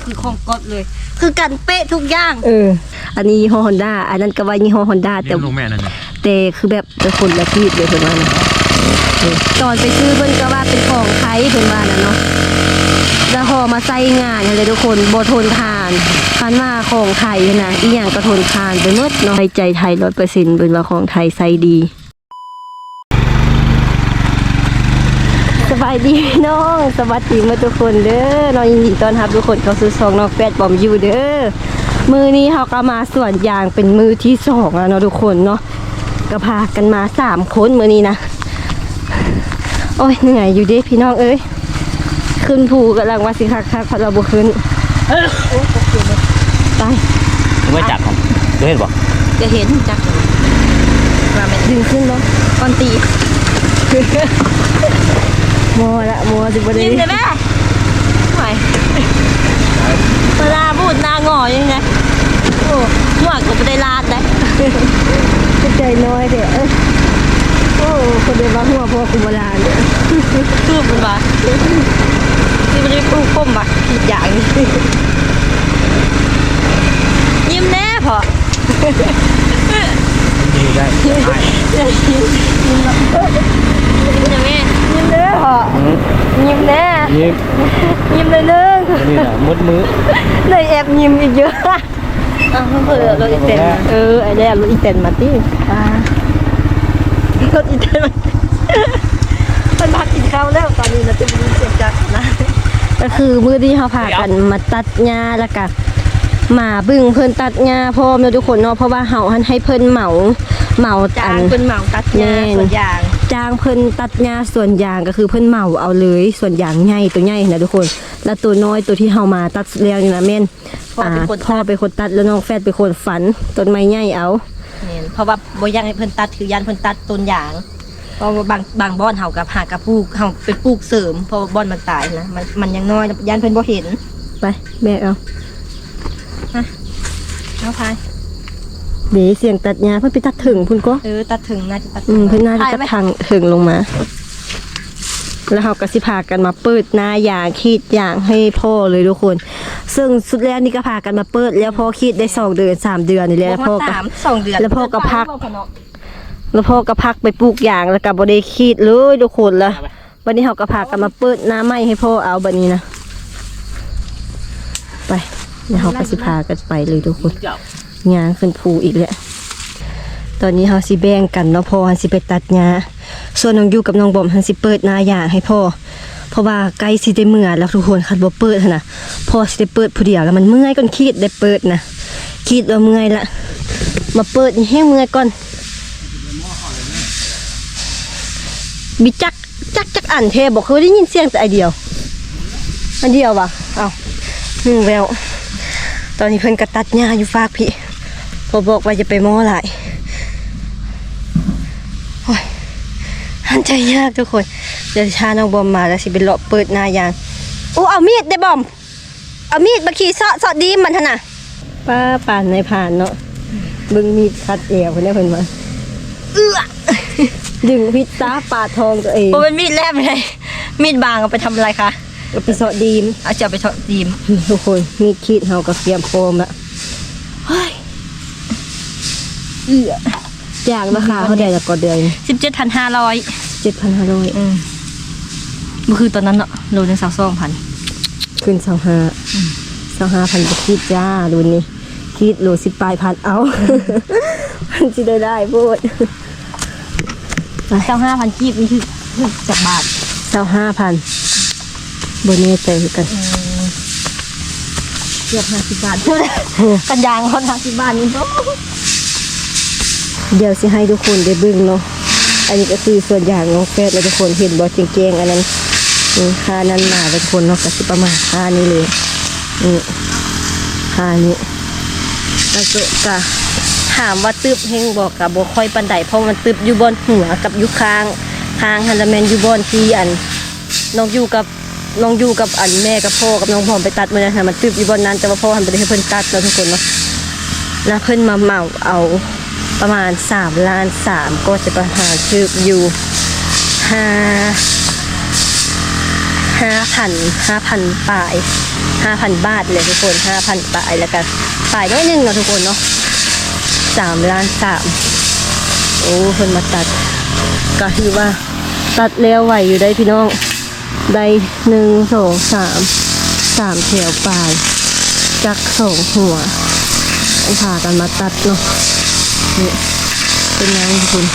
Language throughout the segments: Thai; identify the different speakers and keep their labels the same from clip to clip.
Speaker 1: คือของก๊อตเลยคือกันเป๊ะทุกอย่าง
Speaker 2: อันนี้ยี่ห้อ Honda อันนั้นก็ว่ายี่ห้อ Honda แต่คือแบบเป็นคนละที่เลยเพิ่นว่านะตอนไปซื้อเพิ่นก็ว่าเป็นของไทยเพิ่นว่านะเนาะแล้วพอมาใส่งานเลยทุกคนบ่ทนทานคันว่าของไทยนะอีหยังก็ทนทานไปหมดเนาะใจไทย 100% เป็นว่าของไทยใส่ดีสบายดีน้องสวัสดีมาทุกคนเด้อน้องยินดีต้อนรับทุกคนเข้าสู่ช่องน้องแฟดบอมยูเด้อมือนี้เขาก็มาสวนยางเป็นมือที่2แล้วเนาะทุกคนเนาะก็พากันมา3คนมือนี้นะโอ้ยเหนื่อยอยู่ดิพี่น้องเอ้ยขึ้นภูกำลังว่าสิคักๆพอเราบุขึ้นไป
Speaker 3: ไม่จับครับเห็นบอก
Speaker 1: จะเห็นจักว่ามันดึงขึ้นเนาะก่อนตีมัวสิบดียิ้มเลยแม่ไหวเวลาพูดหน้างอยังไงโอ้หนวดก็ไม่ได้ลาดเลยใจน้อยเด้อโอ้คนเดียวว่าหัวพ่อคุมลาเนี่ยคือมันว่าคือมันจะปลูกก้มว่ะผิดอย่างนี้ยิ้มแน่พอ
Speaker 3: ดีได้
Speaker 1: ยิ้มนะแม่ยิ้มเด้อพอยิ้มแน่ยิ้มเลยนึง
Speaker 3: นี่แหละมืด
Speaker 1: เลยแอบยิ้มอีกเยอะเผื่อรถอีเต็นไอ้เนี่ยรถอีเต็นมาที่รถอีเต็นมันพักกินข้าวแล้วตอนนี้เราจะมีเสียงจักนะก็คือมื้อที่เขาพากันมาตัดหญ้าแล้วก็มาบึ้งเพิ่นตัดหญ้าพร้อมเนาะทุกคนเนาะเพราะว่าเขาให้เพิ่นเหมา
Speaker 2: จ้างเพิ่นเหมาตัดหญ้าส่วนยาง
Speaker 1: จ้างเพิ่นตัดหญ้าส่วนยางก็คือเพิ่นเหมาเอาเลยส่วนยางใหญ่ตัวใหญ่นะทุกคนแล้วตัวน้อยตัวที่เฮามาตัดแล้วนี่นะแม่นพ่อเป็นคนตัดแล้วน้องแฟดเป็นคนฝันต้นไม้ใหญ่เอา
Speaker 2: เพราะว่าบ่อยากให้เพิ่นตัดคือยันเพิ่นตัดต้นยางเพราะว่าบางบ่อนเฮากับหากระปลูกเฮาเป็นปลูกเสริมเพราะบ่อนมันตายนะมันยังน้อยยันเพิ่นบ่เห็น
Speaker 1: ไปแม่เอา
Speaker 2: พาย
Speaker 1: เดี๋ยวเสียงตัดหญ้าเพิ่นไปตัดถึงพุ่นก็
Speaker 2: ตัดถึงน่าจะตัด
Speaker 1: เพิ่นน่าจะตัดทางถึงลงมาแล้วเขาก็สิพากันมาเปิดหน้ายางขีดยางให้พ่อเลยทุกคนซึ่งสุดแล้วนี่ก็พากันมาเปิดแล้วพ่อขีดได้2 เดือน3 เดือนนี่แหละแล้วพ่อก็
Speaker 2: 2 เดือน
Speaker 1: แล้วพ่อก็พักไปปลูกยางแล้วก็บ่ได้ขีดเลยทุกคนละวันนี้เขาก็พากันมาเปิดหน้าไม้ให้พ่อเอาแบบนี้นะไปเดี๋ยวเขาก็สิพากันไปเลยทุกคนยางขึ้นภูอีกแล้วตอนนี้เขาสิแบ่งกันเนาะพ่อสิไปตัดหญ้าส่วนน้องยูกับน้องบอมเขาสิเปิดหน้ายางให้พ่อเพราะว่าใกล้สิได้เมื่อแล้วทุกคนคันบ่เปิดนะพ่อสิได้เปิดผู้เดียวแล้วมันเมื่อยก่อนขีดได้เปิดนะขีดแล้วเมื่อยละมาเปิดให้เมื่อยก่อนบิจักอันเทบอกเคยได้ยินเสียงแต่อันเดียวว่ะเอาแววตอนนี้เพิ่นกระตัดหญ้าอยู่ฝากพี่พอบอกว่าจะไปม้อหลายโอ้ยหันใจยากทุกคนเดี๋ยวชาน้องบอมมาแล้วสิเป็นเลาะเปิดหน้ายางโอ้เอามีดได้บอมเอามีดมาขี่เสาะดีมันท่าน่ะป้าป่านในผ่านเนาะบึงมีดคัดเอวเพิ่นได้เพิ่นมาดึงพิษซาปาทองตัวเอง
Speaker 2: โอ้เป็นมีดแลบเลยมีดบางเอาไปทำอะไรคะ
Speaker 1: เอาไปเสาะดีม
Speaker 2: เอาจะไปเสาะดีม
Speaker 1: ทุกคนมีดขีดเฮากับเตรียมโฟมละอย่างราคาเขาได้จากก่อนเดือน
Speaker 2: 17,500มันคือตอนนั้นเนาะโลนึง22,000
Speaker 1: ขึ้น25,000จะคิดจ้าดูนี่คิดโล10 ปลายพันเอามันจะได้พูด
Speaker 2: 25,000กีบนี่คือจากบาท
Speaker 1: 25,000บนนี้ใจกัน
Speaker 2: เกือบ50 บาทกันยางคน50 บาทนี่
Speaker 1: เดี๋ยวสิให้ทุกคนได้บึ้งเนาะอันนี้ก็คือส่วนอย่างน้องแฟดแล้วทุกคนเห็นบอจริงๆอันนั้นค่านั้นมาทุกคนเนาะก็สิประมาณค่านี้เลยค่านี้แล้วก็ถามว่าตึบเฮงบอกกับบ่ค่อยปันไดเพราะมันตึบอยู่บนหัวกับอยู่ข้างฮันดาแมนอยู่บนที่อันน้องอยู่กับอันแม่กับพ่อกับน้องพร้อมไปตัดมาเนี่ยมันตึบอยู่บนนั้นแต่ว่าพ่อหันไปให้เพิ่นตัดแล้วทุกคนเนาะแล้วเพิ่นมาเหมาเอาประมาณ3.3 ล้านก็จะประหารตึบอยู่5,000 ปลาย 5,000 บาทเลยทุกคน 5,000 บาทแล้วก็ฝ่ายน้อยหนึงเนาะทุกคนเนาะ3 ล้าน 3โอ้เพิ่นมาตัดก็คือว่าตัดแล้วไหวอยู่ได้พี่น้องได้1 2 3แถวปลายจัก2หัวต้องพากันมาตัดเนาะนี่เป็นไงทุกคน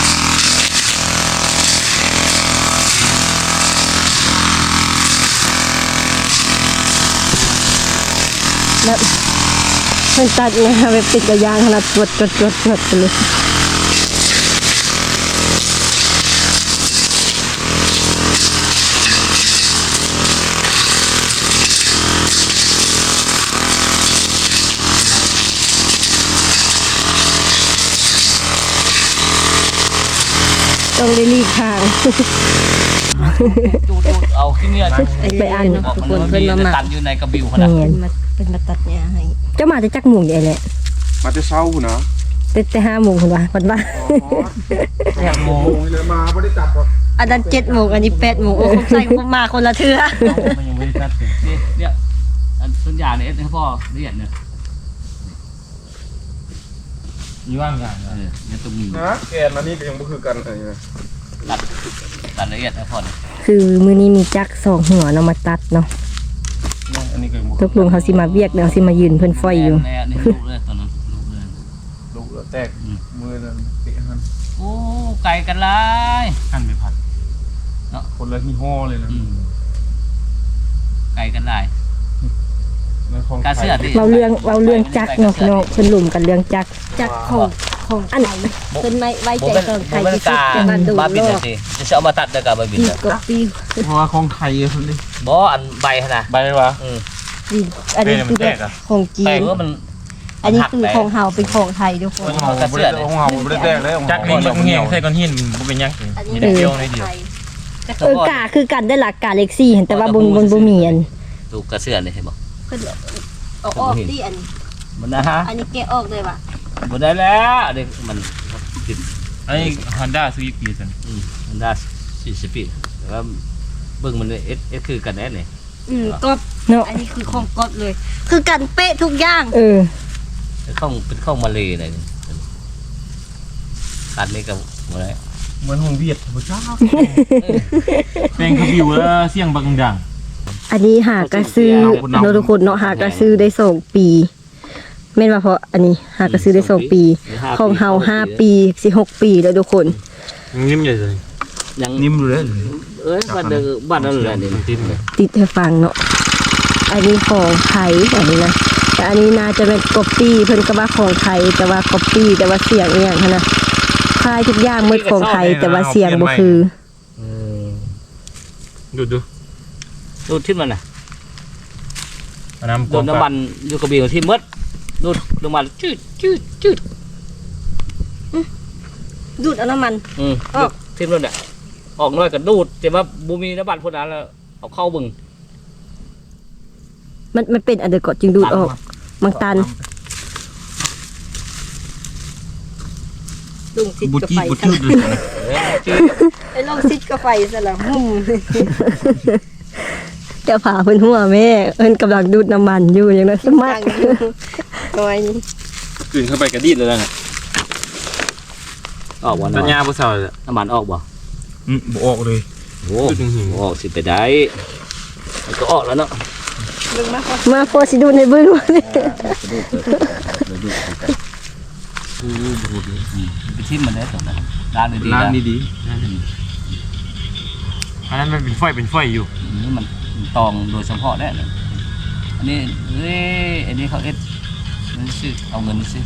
Speaker 1: แล้วเพิ่นตัดนะคะแบบติดกระยางขนาดจวดไปเลยต้องได้รีบทาง
Speaker 3: จูดเอาขี้เนี่ย
Speaker 1: ไปอ่าน
Speaker 3: บอก
Speaker 1: ทุก
Speaker 3: มัน
Speaker 1: คน
Speaker 3: ว่า
Speaker 1: เพิ่น
Speaker 3: มี
Speaker 1: มาหมัก
Speaker 3: ตันอยู่ในกระบิวขนาด
Speaker 1: เป็นมาตัดเนี่ยให้เจ้ามาจะจักหมู่ใหญ่แหละ
Speaker 4: มาจะเช้าพุ่นนะ
Speaker 1: แต่5 โมงคนว่าวันว่า
Speaker 3: อย่างโม
Speaker 4: โอ้ยเลยมาไม่ได้จับหรอก
Speaker 1: อันนั้น7 โมงอันนี้8 โมงโอ้คงใส่ผมมาคนละเทื่อ
Speaker 3: มันยังไม่ได้ตัดเลยเนี่ยอันต้นยางเนี่ยให้พ่อละเอียดเนี่ย
Speaker 5: มีว่างอย่าง
Speaker 3: เนี่ยตรงนี้
Speaker 4: นะแกนอันนี้ก็ยังบ่คือกันอะไรนะ
Speaker 3: ตัดละเอียดให้พ่อเนี่ย
Speaker 1: คือมื้อนี้มีจัก2 หัวเนาะมาตัดเนาะ
Speaker 4: อันนี้ก็ยังบ่
Speaker 1: ตกลงเขาสิมาเวียกเดี๋ยวสิมายืนเพิ่นไฟอยู่
Speaker 3: แน่นี่ลูกเลยตอนนั้นลูกเลย
Speaker 4: ลูกแล้วแตกมือนั่นเตะหัน
Speaker 3: โอ้ไก่กันเลย
Speaker 5: หั่นไปผัด
Speaker 4: คนละยี่ห้อเลยนะ
Speaker 3: ไก่กันได้
Speaker 4: ในของ
Speaker 3: การเสื้อดิ
Speaker 1: เราเรื่องจักเนาะพี่น้องเพิ่นหลุมกันเรื่องจักของอันเพิ่นไม่ไว้ใจของไทยที่สุดจะมาดู
Speaker 3: บ้าบิน
Speaker 1: โล
Speaker 3: เลย
Speaker 1: ก
Speaker 3: สิจะเอามาตัดได้กับบ้าบิน
Speaker 1: ปี
Speaker 3: เลย
Speaker 1: กปี
Speaker 4: เพราะว่าของไทยคนนี้
Speaker 3: บ่อันใบขนาด
Speaker 4: ใบวะ
Speaker 1: ปีอันนี้คือแบบของจี
Speaker 3: แต่
Speaker 1: น
Speaker 3: ว่ามัน
Speaker 1: อันนี้คือของเฮาเป็นของไทยทุกคน
Speaker 4: ของเราบ่ได้ของเราบ่ได้แตกเลย
Speaker 5: จักนี่มันเงี้ยใส่ก้อนหินมันเป็นยัง
Speaker 1: อันนี้
Speaker 5: มีแต่เกียวในเดียว
Speaker 1: กาคือกันได้หลักกาเล็กซี่เห็นแต่ว่าบนบ่มีอัน
Speaker 3: ดูกระเสื้อเลยใช่บ่
Speaker 1: เพิ่นเอาออกดิอัน
Speaker 3: มันนะฮะ
Speaker 1: อันนี้แกะออกเลยว่ะ
Speaker 3: บ่ได้แล้วเด็กมันติด
Speaker 5: อันนี้ฮอนด้าซื้อกี่สัน
Speaker 3: มันได้40ปีแต่ว่าเบิ่งมันเอสคือกันแน่นี่
Speaker 1: กบเนาะอันนี้คือของกบเลย คือกันเป๊ะทุกอย่าง
Speaker 3: เป็นข้องมาเลยเลยตัดนี่กับบ่ได้
Speaker 4: เหมือนของเวียดบ่จ้า
Speaker 5: แปลงขบิวแล้วเสี่ยงบังดัง
Speaker 1: อันนี้หากระซื้อเนาะทุกคนเนาะหากระซื้อได้2 ปีแม่นว่าเพราะอันนี้หากระซื้อได้2 ปีของเฮา5 ปีสิ6 ปีแล้วทุกคน
Speaker 5: นิ่มใหญ่เลย
Speaker 3: ยัง
Speaker 4: นิ่มเลย
Speaker 3: บ้านนั่นแหละนี่
Speaker 5: ติ้นเลย
Speaker 1: ติดให้ฟังเนาะอันนี้ของไทยอันนี้นะแต่อันนี้น่าจะเป็นก๊อปปี้เพิ่นก็ว่าของไทยแต่ว่าก๊อปปี้แต่ว่าเสียงอีหยังหั่นน่ะคล้ายทุกอย่างหมดของไทยแต่ว่าเสียงบ่คือ
Speaker 5: ดู
Speaker 3: ดูที่มันน่ะ
Speaker 5: น้ำ
Speaker 3: โดนน้ำมันอยู่กระบี่ที่มดดูดน้ำมันจืด
Speaker 1: ดูดเอาน้ำมัน
Speaker 3: ที่นั่นแหละออกน้อยก็ดูดแต่ว่าบูมีน้ำมันพวกนั้นแล้วเอาเข้าบึง
Speaker 1: มันเป็นอันเดอร์กอดจึงดูดออกบางตันลุงซิด
Speaker 5: บุ
Speaker 1: กับ
Speaker 5: จี้
Speaker 1: ไฟ
Speaker 5: บุจี้เลย
Speaker 1: ไอ้ลงซิดกับไฟซะละหุ่มจะผ่าเพิ่นหัวแม่เพิ่นกำลังดูดน้ำมันอยู่อย่างนั้นสมัครน้อย
Speaker 5: กลืนเข้าไปกระดิ่เลยนะ
Speaker 3: ออกบ่
Speaker 5: ตัญญาผู้สาว
Speaker 3: น้ำมันออกบ่
Speaker 5: บ่ออกเลย
Speaker 3: โอ้ออกสิไปได้มันก็ออกแล้วเนาะ
Speaker 1: มาพอสิดูดในบึ้งมาเนี่ย
Speaker 3: ไปทิ้มมันได้ตอนนั้นร้านดีๆ
Speaker 5: ล้าง
Speaker 3: นะ
Speaker 5: ดีๆอันนั้นมันเป็นไฟอยู่
Speaker 3: นี่มันตองโดยเฉพาะได้เลยอันนี้อันนี้เขาเอ็ดมันซื้อเอาเงินซื้อ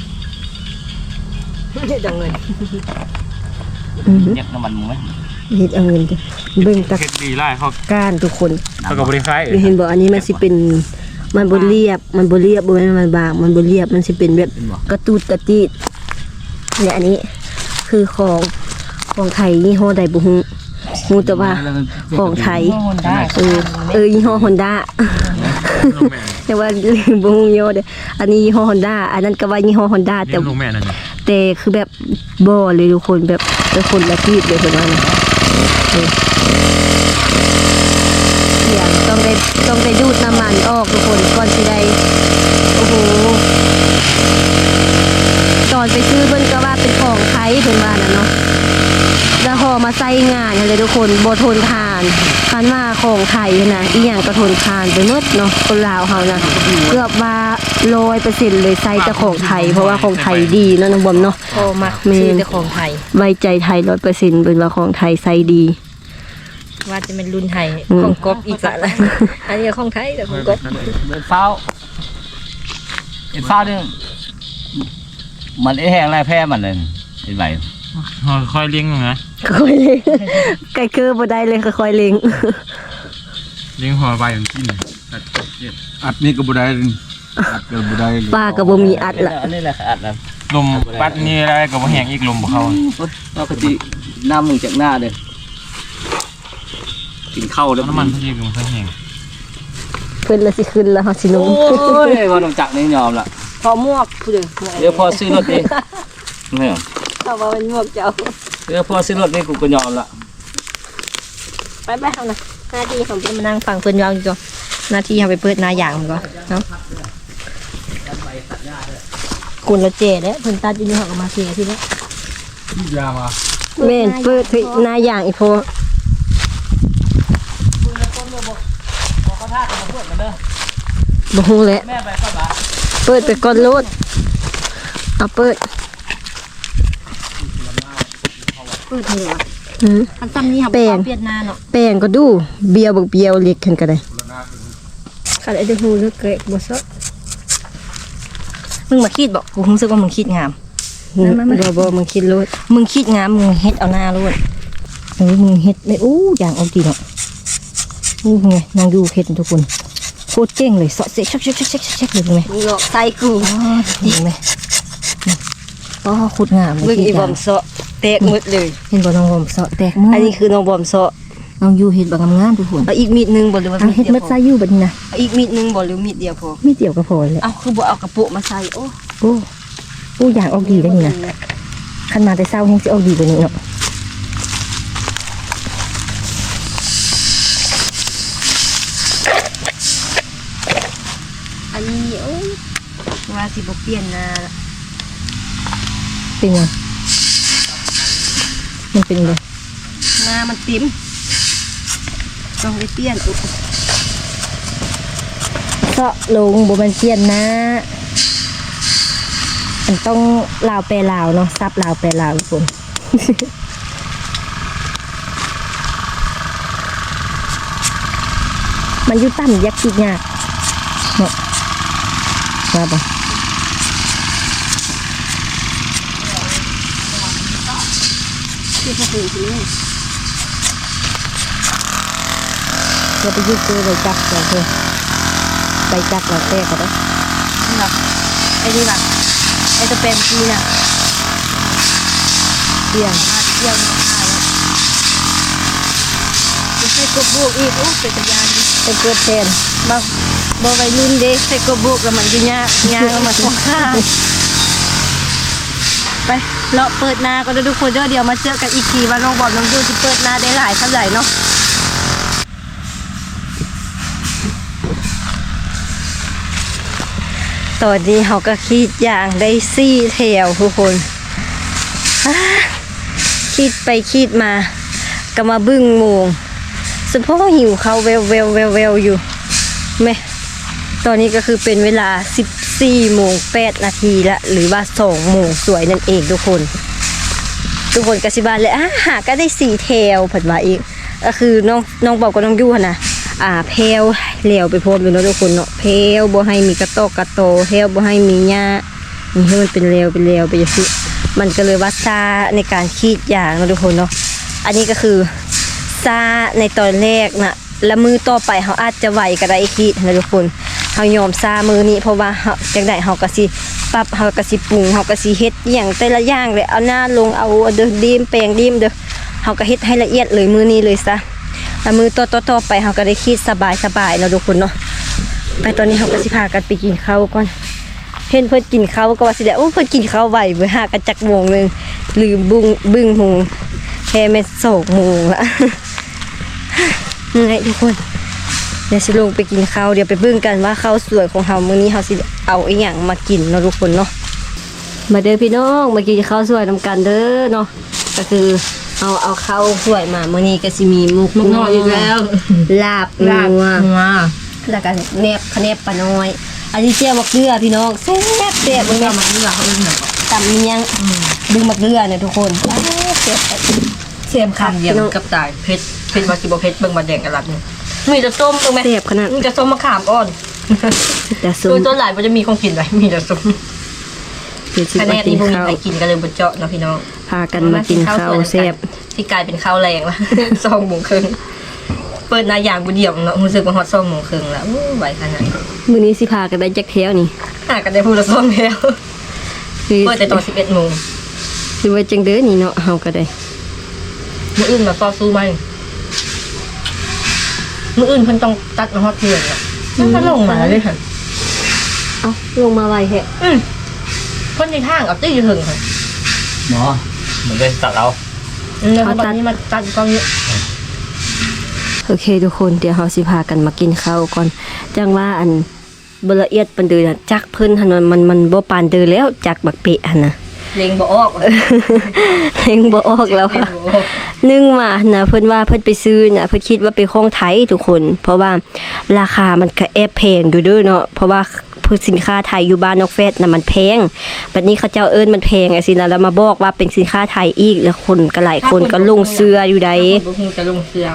Speaker 1: ดังเงิน
Speaker 3: เรียกน้ำมันมึงไหม
Speaker 1: เฮ็ดเอาเงินจ้ะเบิ่งตะ
Speaker 5: เฮ็ดดีไล่เขา
Speaker 1: ก้านทุกคน
Speaker 5: เขากับบริคล้าย
Speaker 1: เห็นบ่อันนี้มันสิเป็นมันบ่เรียบบ่แม่นมันบางมันบ่เรียบมันสิเป็นแบบกระตูดกระตีดเนี่ยอันนี้คือของไทยยี่ห้อใดบ่ฮู้แต่ว่าของไทยยี่ห้อ Honda แต่ว่าบ่ฮู้ยี่ห้อเด้ออันนี้ยี่ห้อ Honda อันนั้นก็ว่ายี่ห้อ Honda
Speaker 5: เต็
Speaker 1: แต่
Speaker 5: มลงแม่นั่น
Speaker 1: แต่คือแบบบ่เลยทุกคนแบบเป็นคนละที่เลยเพิ่นว่านะ
Speaker 2: เสียงต้องได้ดูดน้ำมันออกทุกคนก่อนสิได้โอ้โหตอนไปซื้อเพิ่นก็ว่าเป็นของไทยเพิ่นว่าน่ะเนาะแล้วพอมาใส่งานเลยทุกคนบ่ทนทานคันว่าของไทยนะอีหยังก็ทนทานไปหมดเนาะคนลาวเฮานะเกือบว่า 100% เลยใส่แต่ของไทยเพราะว่าของไทยดีเนาะน้องบอมเนาะ
Speaker 1: พอมักซื้อแต่ของไทย
Speaker 2: ไว้ใจไทย 100%เป็นว่าของไทยใส่ดี
Speaker 1: ว่าจะเป็นรุ่นไทยของก๊อปอีกละอันนี้ของไทยแต่ของก๊อป
Speaker 3: เดินเฝ้าเอ็นเฝ้าเนี่ยมันไอ้แห้งไรแพ้มันเลยเห็นไหม
Speaker 5: ค่อยเลี้ยงนะ
Speaker 2: ค่อยเล็งไก่คือบ่ได้เลยค่อยๆเล็ง
Speaker 5: เลี้ยงหัวใบของกินตัดเจ็ด
Speaker 4: อัดนี่ก็บ่ได้อัดก็บ่ได้เลย
Speaker 2: ป้าก็บ่มีอัดละ
Speaker 3: อันนี้แหละอัดนะ
Speaker 5: ลมปัดนี่อะไรกับแหงอีกลมบ่เข้า
Speaker 3: เราก็จีน้ำมึงจากหน้าเลยกินข้าวแล้ว
Speaker 5: น้ำมันพี่ลมค่อยแหง
Speaker 2: เพิ่นละสิขึ้นแล้วเฮาสิลง
Speaker 3: โอ้ยพอลงจักรนี่ยอมละ
Speaker 1: พอมวกผู้เดียว
Speaker 3: เดี๋ยวพอซื้อรถนี่ไม่เหรอ
Speaker 1: ถ้าว่ามันมวกเจ้า
Speaker 3: เดี๋ยวพอซื้อรถนี่กูก็ยอมละ
Speaker 1: ไปเฮานะหน้าที่ของเพิ่นมานั่งฟังเพิ่นยาวอยู่ก่อนหน้าที่เฮาไปเปิดหน้าอย่างมันก่อนเนาะคุณละเจเด้เพิ่นตัดอยู่นี่เฮาก็มาเสียทีนี้
Speaker 4: ยามา
Speaker 2: แม่นเปิดให้หน้าอย่างอีพอบ่ฮู้แหละ
Speaker 3: แม่ไปเข้าบ้าน
Speaker 2: เปิดไปก่อนโลดเอาเปิด
Speaker 1: เปิดให้เหรอ
Speaker 2: หือ
Speaker 1: อันซ้ำนี่เฮา
Speaker 2: แป้ง
Speaker 1: เปลี่ยนหน้าเนาะ
Speaker 2: แป้งก็ดูเบียวบักเบียวเล็กขึ้นก็ได้
Speaker 1: คันไอ้เด้อฮู้เด้อเกะบ่ซะมึงมาคิดบอกกูรู้สึกว่ามึงคิดงาม
Speaker 2: บ่มึงคิดโลด
Speaker 1: มึงคิดงามมึงเฮ็ดเอาหน้าโลดมึงเฮ็ดได้อู้อย่างเอาดีเนาะอู้ไงนางอยู่เฮ็ดทุกคนโคตรเจ๋งเลยเสาะเซ็กชักเลยไง
Speaker 2: มึงหลอกใส่กู
Speaker 1: เห็นไหมอ๋อโคตรงามเลย
Speaker 2: มึงอีบอมเซาะแตกหมดเลย
Speaker 1: เห็นบ่น้องบอมเสาะแตกมือ
Speaker 2: อั
Speaker 1: อั
Speaker 2: นนี้คือน้องบอมเซาะ
Speaker 1: น้องอยู่เฮ็ดบ่งามๆทุกคน
Speaker 2: เอาอีกมีดหนึงบ่หรือว่า
Speaker 1: เอาเฮ็ด
Speaker 2: เดียว
Speaker 1: มัด
Speaker 2: พอ
Speaker 1: ใส่อยู่บัดนี้นะ
Speaker 2: เอาอีกมีดหนึงบ่หรือมีดเดียวพอ
Speaker 1: มีเดียวก็พอเลย
Speaker 2: เอาคือบ่เอากระปุกมาใส่โอ้
Speaker 1: โอ้อู้อย่างออกดีได้นี่นะคันมาแต่เช้าแฮงสิออกดีกว่านี้เนาะ
Speaker 2: อันนี้โอ้ยว่าสิบ่เปลี่ยนหน้าละ
Speaker 1: เป็นไงมันเป็นเลย
Speaker 2: หน้ามันติ๋มต้องได้เปลี่ยนอุ๊ย
Speaker 1: เสาะลงบ่แม่นเปลี่ยนนะมันต้องลาวแปลลาวเนาะซับลาวแปลลาวทุกคน มันอยู่ต่ำยักคิดยากเนาะมาบ่
Speaker 2: ที่พวกคุณสิเนี่ย
Speaker 1: เราไปยึดตัวใบจักรเราเถอะใบจักรเราแตกก็ได้
Speaker 2: นี่ล่ะไอ้นี่ล่ะไอ้ตะเป็นกีน่ะ
Speaker 1: เปลี่ยน
Speaker 2: มาเที่ยวน้องหายแล้วจะใส่กระปุกอีกโอ้เป็นตะยานดิ
Speaker 1: เป็นเกิดแทน
Speaker 2: บ่วัยรุ่นเด้ใส่กระปุกแล้วมันอยู่ยากเอามาของข้างไปเลาะเปิดหน้าก็ได้ทุกคนเดี๋ยวมาเจอกันอีกทีว่าน้องบอมน้องยูจะเปิดหน้าได้หลายเท่าไหร่เนาะตอนนี้เขาก็คิดอย่างได้4 แถวทุกคนอ่าคิดไปคิดมาก็มาบึ้งโมงสะโพกหิวเขาวแววอยู่แม่ตอนนี้ก็คือเป็นเวลา 14:08 นาทีละหรือว่า2 โมงสวยนั่นเองทุกคนกสิบานเลยหาก็ได้4 แถวผัดว่าอีกก็คือน้องบอกกับน้องยู่หั่นนะแพลวเหลวไปโพดอยู่เนาะทุกคนเนาะแพลวบ่ให้มีกระโตแพลวบ่ให้มีหญ้านี่ให้มันเป็นเหลวไปอย่างนี้มันก็เลยว่าซาในการคีดอย่างเนาะทุกคนเนาะอันนี้ก็คือซาในตอนแรกนะแล้วมือต่อไปเขาอาจจะไหวก็ได้คีดนะทุกคนเขายอมซามือนี้เพราะว่าจังได๋เขาก็สิปรับเขาก็สิปรุงเขาก็สิเฮ็ดอหย่างแต่ละอย่างเลยเอาหน้าลงเอาเด้อดีมแปลงดีมเด้อเขาก็เฮ็ดให้ละเอียดเลยมือนี้เลยซะแล้วมือต่อไปเขาก็ได้คิดสบายแล้วทุกคนเนาะไปตอนนี้เขาก็สิพากันไปกินข้าวก่อนเห็นเพิ่นกินข้าวก็ว่าสิได้โอ้เพิ่นกินข้าวไวเว้ยหากันจักโมงนึงลืมบึ้งโมงแค่แม่2 โมงละเหนื่อยทุกคนเดี๋ยวสิลงไปกินข้าวเดี๋ยวไปเบิ่งกันว่าข้าวสวยของเฮามื้อนี้เฮาสิเอาอีหยังมากินเนาะทุกคนเนาะมาเด้อพี่น้องมากินข้าวสวยนำกันเด้อเนาะก็คือเอาข้าวสวยมามื้อนี้ก็สิมีมุกน้อยอีกแล้วลาบงัวแล้วก็แนบขะแนบปลาน้อยอันนี้เจียวมะเขือพี่น้องแซ่บเบิ่งมาเขือเขาเอิ้นหยังตำเมียงดึงมะเขือเนี่ยทุกคนเสียบคันเดียวกับตายเผ็ดว่าสิบ่เผ็ดเบิ่งมาแดงกะลัดนี่มีแต่ส้มตรงแม่เสียบขนาดมีแต่ส้มมะขามอ่อนแต่ส้มต้นหลายบ่จะมีของกินไว้มีแต่ส้มคะแนนนี่พวกนี้ไปกินกันเลยบ่เจาะเนาะพี่น้องพากันมากินข้าวแซ่บที่กลายเป็นข้าวแรงละ2 โมงครึ่งเปิดหน้าอย่างบ่เดียวเนาะรู้สึกว่าฮอด2 โมงครึ่งแล้วไหวขนาดมื้อนี้สิพากันได้จักแถวนี่กันได้พูดละ2แถวเปิดแต่ตอน 11 โมงคือว่าจังเด้อนี่เนาะเฮาก็ได้มื้ออื่นมาต่อสู้มั้ยมื้ออื่นเพิ่นต้องตัดมาฮอดเที่ยงอ่ะมันลงมาเลยค่ะเอ้าลงมาไวแฮะเพิ่นในทางเอาตี้อยู่ถึงค่ะ
Speaker 3: หมอเหมือนได้ตัดเรา
Speaker 2: เขาตัดนี่มาตัดกล้องนี้โอเคทุกคนเดี๋ยวเฮาสิพากันมากินข้าวก่อนจังว่าอันบ่ละเอียดปานเดือจักเพิ่นหั่นมันบ่ปานเดือแล้วจักบักเปะหั่นน่ะเล็งบ่ออกเล็งบ่ออกแล้วค่ะนึงมานะเพิ่นว่าเพิ่นไปซื้อน่ะเพิ่นคิดว่าเป็นของไทยทุกคนเพราะว่าราคามันก็แอบแพงอยู่เด้อเนาะเพราะว่าสินค้าไทยอยู่บ้านนอกแฟดน่ะมันแพงบัดนี้เขาเจ้าเอิ้นมันแพงไอ้สินะแล้วมาบอกว่าเป็นสินค้าไทยอีกแล้วคนก็หลายคนก็ลงเสื้ออยู่ใดบ่ฮู้จะลงเสื้อ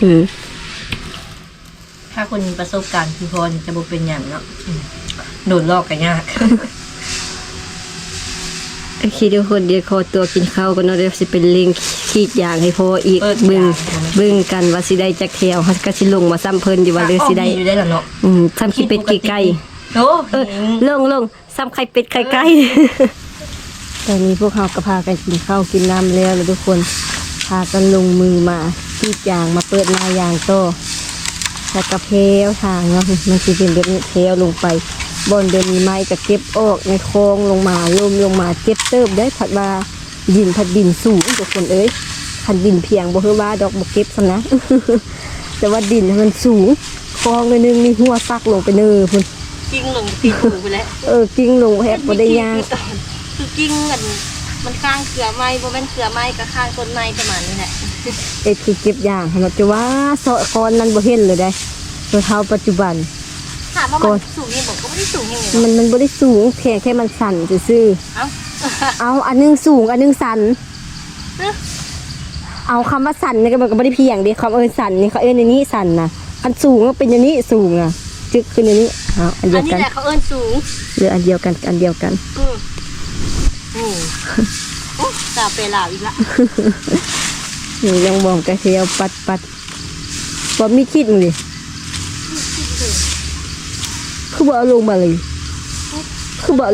Speaker 2: ถ้าคนมีประสบการณ์คือพรจะบ่เป็นหยังเนาะโดนลอกก็ยากโอเคทุกคนเดี๋ยวขอตัวกินข้าวกันเนาะเดี๋ยวสิเป็นลิงขีดยางให้พออีกเบิ่งกันว่าสิได้จักแถวเฮาก็สิลงมาซ้ำเพิ่นอยู่ว่าหรือสิได้อยู่ได้ล่ะเนาะซ้ำขี้เป็ดขี้ไก่โอ้ลงซ้ำไข่เป็ดไข่ไก่ตอนนี้พวกเฮาก็พากันกินข้าวกินน้ำแล้วทุกคนพากันลงมือมาขีดยางมาเปิดหน้ายางโตแล้วก็เพลวทางเนาะมันสิเป็นแบบนี้เพลวลงไปบนเดินมีไม้ก็เก็บออกในคลองลงมาล่มลงมาเก็บเติบได้ผัดว่าดินสูงทุกคนเอ้ยคันดินเพียงบ่คือว่าดอกบ่เก็บซะนะ แต่ว่าดินมันสูงคลองนึงมีหัวซักลงไปเนอพุ่นกิ้งลงตีหูไปแล้วกิ้งลงแฮบบ่ได้ยากคือกิ้งมันข้างเขือไม้บ่แม่นเขือไม้ก็ข้างต้นไม้ประมาณนี้แหละคือเก็บอย่างให้มันจะว่าเสาะคอนนั้นบ่เห็นเลยได้ตัวเท่าปัจจุบันถามว่ามันสูงยังบอกก็ไม่ได้สูงยังไงมันบ่ได้สูงแค่มันสั่นซื่อเอาอันนึงสูงอันนึงสั่นเอาคำว่าสั่นนี่ก็มันก็บ่ได้เพียงดิคำสั่นนี่เขาในนี้สั่นนะอันสูงก็เป็นอย่างนี้สูงอ่ะจึกขึ้นอย่างนี้อันเดียวกันอันนี้แหละเขาสูงหรืออันเดียวกันตาเปล่าอีกละนี่ยังมองกระเทียวปัดบ่มีคิดมึงดิคือบ่เอาลงมาเลยนี่นะห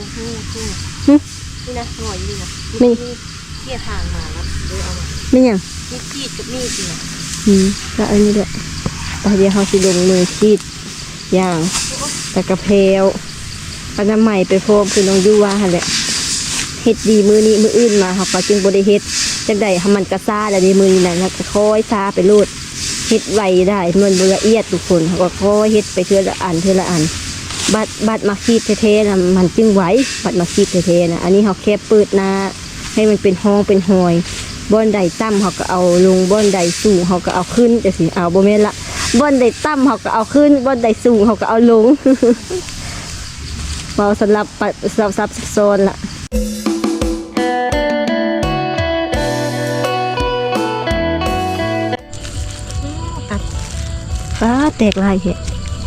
Speaker 2: น่อยนี่นะนี่เกี่ยทางมาแล้วเดี๋ยวเอามาไม่ยังมีขีดกับมีดนะแล้วอันนี้ด้วยเดี๋ยวเขาสิลงมือขีดอย่างแต่กระเพราปน้ำใหม่ไปพร้อมคือน้องยูว่าหั่นแหละเฮ็ดดีมือนี้มืออื่นมาเขาก็จึงบ่ได้เฮ็ดจังได๋ให้มันกระซ่าแล้วในมือนี้น่ะก็ค่อยซ่าไปโลดเฮ็ดไวได้มันบ่ละเอียดทุกคนเขาก็ค่อยเฮ็ดไปเทื่อละอันบัดมาขีดเทๆนะมันจึงไหวบัดมาขีดเทๆนะอันนี้เขาแค่เปิดหน้าให้มันเป็นห้องเป็นหอยบ่อนใดต่ำเขาก็เอาลงบ่อนใดสูงเขาก็เอาขึ้นแต่สิเอาบ่แม่นละบ่อนใดต่ำเขาก็เอาขึ้นบ่อนใดสูงเขาก็เอาลง เบาสำหรับซับซ้อนละฟ้าแตกลายเหรอ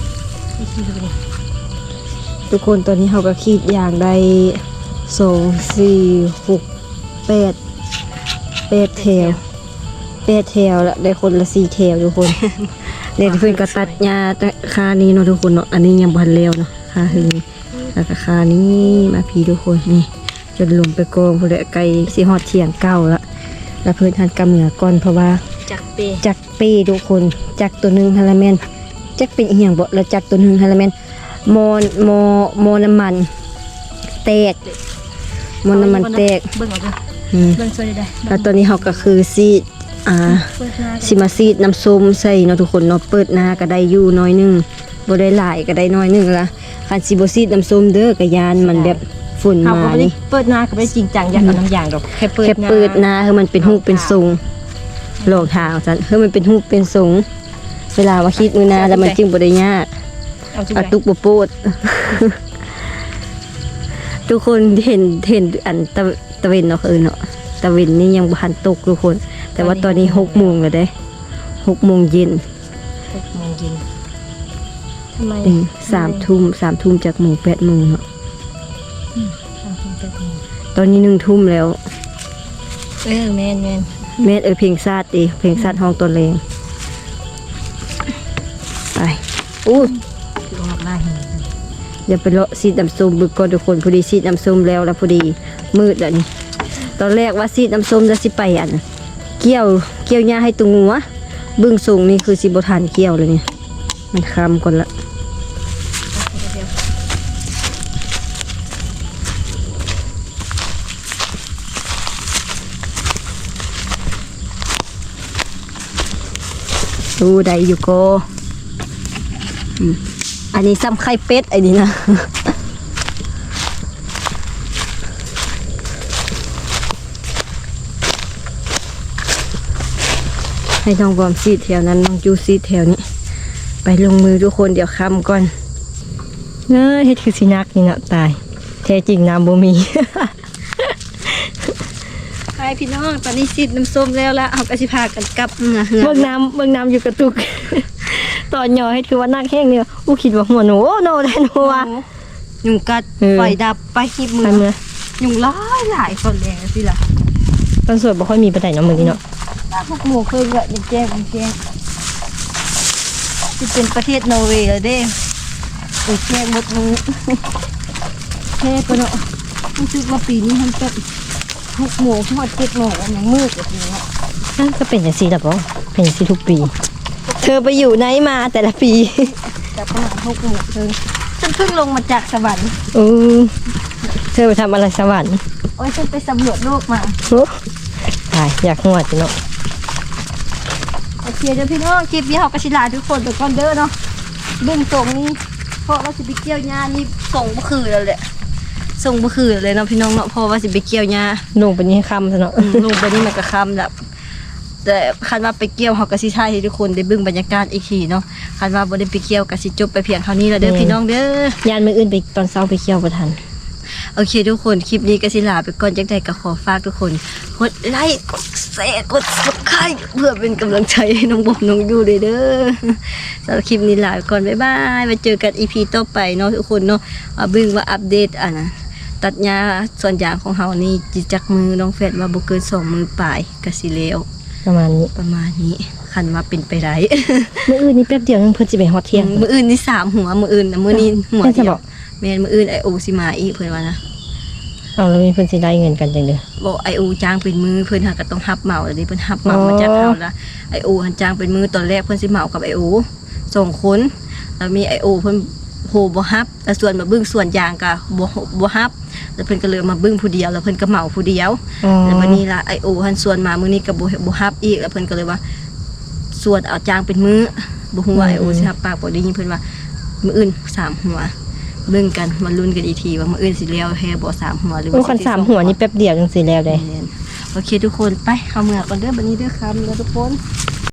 Speaker 2: ทุกคนตอนนี้เขาก็ขีดอย่างใด2 4 6 8แถวละได้คนละ4แถวทุกคน เดี๋ยวเพื่อนก็ตัดหญ้าคานี้เนาะทุกคนเนาะอันนี้ยังพันแล้วเนาะคาคือแล้วก็คานี้มาพี่ทุกคนนี่จนลงไปกองพอดีไกลสิฮอดเที่ยงเก้าแล้วเพื่อนทันกำเหนือก่อนเพราะว่าจักเป้ทุกคนจักตัวนึงฮาลาแมนจักเป็นอีหยังบ่แล้วจักตัวนึงฮาลาแมนโมน้ำมันแตกเบิ่งเอาเด้อเบิ่งช่วยได้แล้วตอนนี้เขาก็คือสิสิมาซีดน้ำส้มใส่เนาะทุกคนเนาะเปิดหน้าก็ได้อยู่น้อยหนึงบ่ได้หลายก็ได้น้อยหนึงละคันสิบ่ซีดน้ำส้มเด้อกะยานมันแบบฝุ่น
Speaker 1: เขา
Speaker 2: มา
Speaker 1: ก็ไม่ได้
Speaker 2: นี่
Speaker 1: เปิดหน้าก็ไม่ได้จริงจังอยากเอาน้ำยางดอกแค่เปิด
Speaker 2: แค่เปิดหน้าให้มันเป็นรูปเป็นทรงลองทางซั่นให้มันเป็นรูปเป็นทรงเวลาว่าคิดมือหน้าแล้วมันจึงบ่ได้ยาก
Speaker 1: เอาทุก
Speaker 2: อะ
Speaker 1: อย่าง
Speaker 2: ตุกบ่โปด ทุกคนเห็นอันตะเวนเนาะเนาะตะเวนนี่ยังบ่ทันตกทุกคน แต่ว่าตอนนี้6 โมงแล้วเด้6 โมงเย็น
Speaker 1: 6 โมงเย็นทำไม
Speaker 2: 3 ทุ่มจากโมง8 โมงเนาะตอนนี้1 ทุ่มแล้ว
Speaker 1: แม่น
Speaker 2: แม่เพลงชาติดิเพลงชาติห้องตัวเลงไปอู้
Speaker 1: ลงมาได้เห็น
Speaker 2: อย่าไปเลาะซีดน้ำส้มบึกก่อนทุกคนพอดีซีดน้ำส้มแล้วพอดีมืดแล้วนี่ตอนแรกว่าซีดน้ำส้มจะสิไปอันเกี่ยวหญ้าให้ตรงหัวบึ้งสูงนี่คือสิบทานเกี่ยวเลยเนี่ยมันคำก่อนละดูได้อยู่โกอันนี้ซ้ำไข่เป็ดไอ้นี่นะ ให้น้องบอมซีดแถวนั้นน้องจูซีดแถวนี้ ไปลงมือทุกคนเดี๋ยวคำก่อนเน้อเฮ็ดคือสินักนี่เนาะตายแท้จริงน้ำบ่มี
Speaker 1: ไปพี่น้องตอนนี้ซีดน้ำส้มแล้วละเอากระสิพากันกลับเหือ
Speaker 2: เบิ่งน้ำอยู่กระตุก ตอนย่อให้ถือว่านักแห้งเนี่ยอู้คิดว่าหัวหนูโนได้หนูว่ะ
Speaker 1: ยุงกัด
Speaker 2: เออ
Speaker 1: ไฟดับไปขีบมื
Speaker 2: ไป
Speaker 1: อ
Speaker 2: เมื่อ
Speaker 1: ยุงหลายคนแรงสิล่ะ
Speaker 2: ตอนสวดบ่ค่อยมีปานใดเนาะมื้อนี้เนาะ
Speaker 1: พวกหมูเคยก็ยังแจ้งจะเป็นประเทศนอร์เวย์แล้วเด้แจ้งหมดมือแค่ก็เนาะรู้สึกว่าปีนี้มันแบบ6 โมงทอด7 โมงอันยังมืดแบบนี้เนาะ
Speaker 2: นั่นก็เป็นจังซี่ล่ะบ่เป็นจังซี่ทุกปี เธอไปอยู่ไหนมาแต่ละปี
Speaker 1: แต่ประมาณ6 โมงเฉันเพิ่งลงมาจากสวรรค์
Speaker 2: เธอไปทำอะไรสวรรค์
Speaker 1: โอ้ยฉันไปสำรวจโลกมา
Speaker 2: ตายอยากหัวจิเนาะ
Speaker 1: โอเคเดี๋ยวพี่น้องคลิปนี้เขากระชิลาทุกคนเดี๋ยวก่อนเด้อเนาะเบื้องตรงนี้เพราะว่าสิไปเกี่ยวหญ้านี่ส่งบ่คือแล้วแหละส่งบ่คือเลยเนาะพี่น้องเนาะเพราะว่าสิไปเกี่ยวหญ้า
Speaker 2: ลงไปนี่ค่ำซะเนาะ
Speaker 1: ลงไปนี่มันก็ค่ำแล้วแต่คันว่าไปเกี่ยวเขาก็สิถ่ายให้ทุกคนได้เบิ่งบรรยากาศอีกทีเนาะคันว่าบ่ได้ไปเกี่ยวก็สิจบไปเพียงเท่านี้แล้วเด้อพี่น้องเด้อ
Speaker 2: ยานมื้ออื่นไปตอนเช้าไปเที่ยวบ่ทัน
Speaker 1: โอเคทุกคนคลิปนี้ก็สิลาไปก่อนจักใดก็ขอฝากทุกคนกดไลค์กดแชร์กด Subscribe เพื่อเป็นกำลังใจให้น้องบอมน้องยูเด้อสำหรับคลิปนี้ลาไปก่อนบ๊ายบายมาเจอกัน EP ต่อไปเนาะทุกคนเนาะเบิ่งว่าอัปเดตตัดหญ้าส่วนยางของเฮานี่จิจักมือน้องแฟดว่าบ่เกิน2 มือปลายก็สิแล้ว
Speaker 2: ประมาณนี้
Speaker 1: ประมาณนี้คันว่าเป็นไปได้
Speaker 2: มื้ออื่นนี่แป๊บเดียวนึงเพิ่นสิไปฮอดเที่ยง
Speaker 1: มื้ออื่นนี่3 หัวมื้ออื่นนะมื้อนี้หัว
Speaker 2: แม่นจะ
Speaker 1: เดีย
Speaker 2: บ
Speaker 1: ว
Speaker 2: อก
Speaker 1: แม่นมื้ออื่นไอโอสิมาอีกเพิ่นว่านะ
Speaker 2: เอาแล้วมีเพิ่นสิได้เงินกันจังเด้อ
Speaker 1: บอกไอโอจ้างเป็นมือเพิ่นหาก็ต้องฮับเหมาแล้วนี่เพิ่นฮับเหมามาจากเฮาละไอโอหันจ้างเป็นมือตอนแรกเพิ่นสิเหมากับไอโอ2 คนแล้วมีไอโอเพิ่นโหบ่ฮับแล้วส่วนมาเบิ่งส่วนยางก็บ่ฮับแล้วเพิ่นก็เลยมาเบิ่งผู้เดียวแล้วเพิ่นก็เหมาผู้เดียวแล้ววันนี้ล่ะไอโอหันส่วนมามื้อนี้ก็บ่ฮับอีกแล้วเพิ่นก็เลยว่าส่วนเอาจ้างเป็นมือบ่ฮู้ว่าไอโอสิฮับปากบ่ได้ยินเพิ่นว่ามื้ออื่น3 หัวเบิ่งกันมาลุ้นกันอีกทีว่ามื้ออื่นสิแล้วแฮบ่3 หัวหรือ
Speaker 2: โอ้
Speaker 1: ว่า
Speaker 2: คัน
Speaker 1: สิ
Speaker 2: 3 หัวนี่แป๊บเดียวจังสิแล้วได้
Speaker 1: โอเคทุกคนไปเข้าเมืองก่อนเด้อบันนี้เด้อครับแล้วทุกคน